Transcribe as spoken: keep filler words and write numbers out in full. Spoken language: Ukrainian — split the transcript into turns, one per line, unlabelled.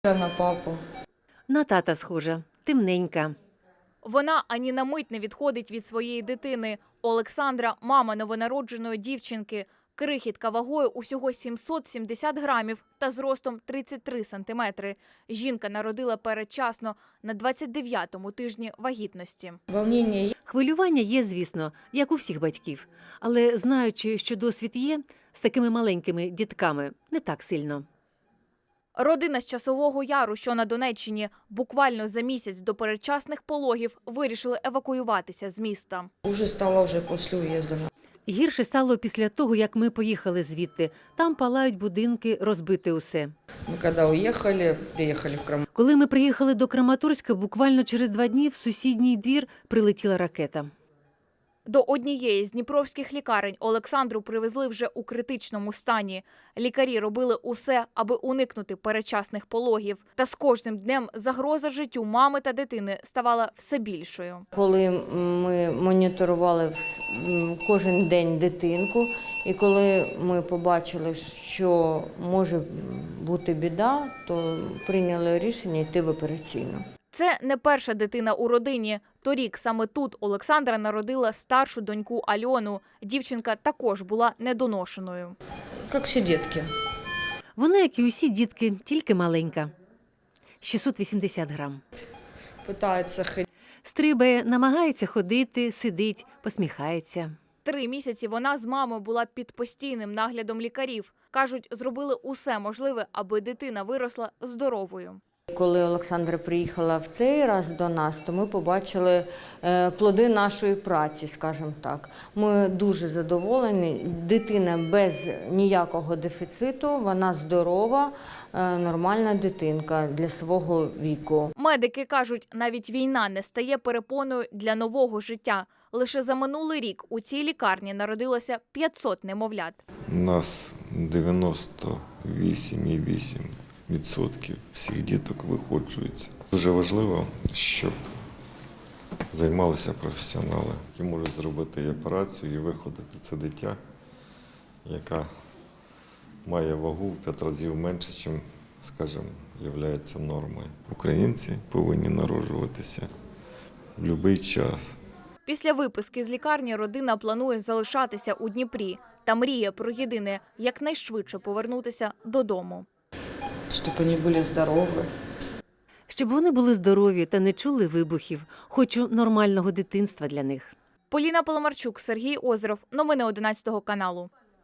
На папу.
На тата схожа, темненька.
Вона ані на мить не відходить від своєї дитини. Олександра – мама новонародженої дівчинки. Крихітка вагою усього сімсот сімдесят грамів та зростом тридцять три сантиметри. Жінка народила передчасно на двадцять дев'ятому тижні вагітності.
Волнення є.
Хвилювання є, звісно, як у всіх батьків. Але знаючи, що досвід є, з такими маленькими дітками не так сильно.
Родина з Часового Яру, що на Донеччині, буквально за місяць до передчасних пологів вирішили евакуюватися з міста.
Уже стало вже після уїзду.
Гірше стало після того, як ми поїхали звідти. Там палають будинки, розбите усе.
Ми коли уїхали, приїхали в Крам.
Коли ми приїхали до Краматорська, буквально через два дні в сусідній двір прилетіла ракета.
До однієї з дніпровських лікарень Олександру привезли вже у критичному стані. Лікарі робили усе, аби уникнути передчасних пологів. Та з кожним днем загроза життю мами та дитини ставала все більшою.
Коли ми моніторували кожен день дитинку, і коли ми побачили, що може бути біда, то прийняли рішення йти в операційну.
Це не перша дитина у родині. Торік саме тут Олександра народила старшу доньку Альону. Дівчинка також була недоношеною.
Як всі дітки.
Вона, як і усі дітки, тільки маленька. шістсот вісімдесят грам.
Питається ходити.
Стрибає, намагається ходити, сидить, посміхається.
Три місяці вона з мамою була під постійним наглядом лікарів. Кажуть, зробили усе можливе, аби дитина виросла здоровою.
Коли Олександра приїхала в цей раз до нас, то ми побачили плоди нашої праці, скажімо так. Ми дуже задоволені. Дитина без ніякого дефіциту, вона здорова, нормальна дитинка для свого віку.
Медики кажуть, навіть війна не стає перепоною для нового життя. Лише за минулий рік у цій лікарні народилося п'ятсот немовлят.
У нас дев'яносто вісім цілих вісім десятих відсотків всіх діток виходжується. Дуже важливо, щоб займалися професіонали, які можуть зробити і операцію, і виходити це дитя, яка має вагу в п'ять разів менше, ніж, скажімо, є нормою. Українці повинні народжуватися в будь-який час.
Після виписки з лікарні родина планує залишатися у Дніпрі та мріє про єдине – якнайшвидше повернутися додому.
Щоб вони були здорові.
Щоб вони були здорові та не чули вибухів. Хочу нормального дитинства для них.
Поліна Поломарчук, Сергій Озеров. Новини одинадцятого каналу.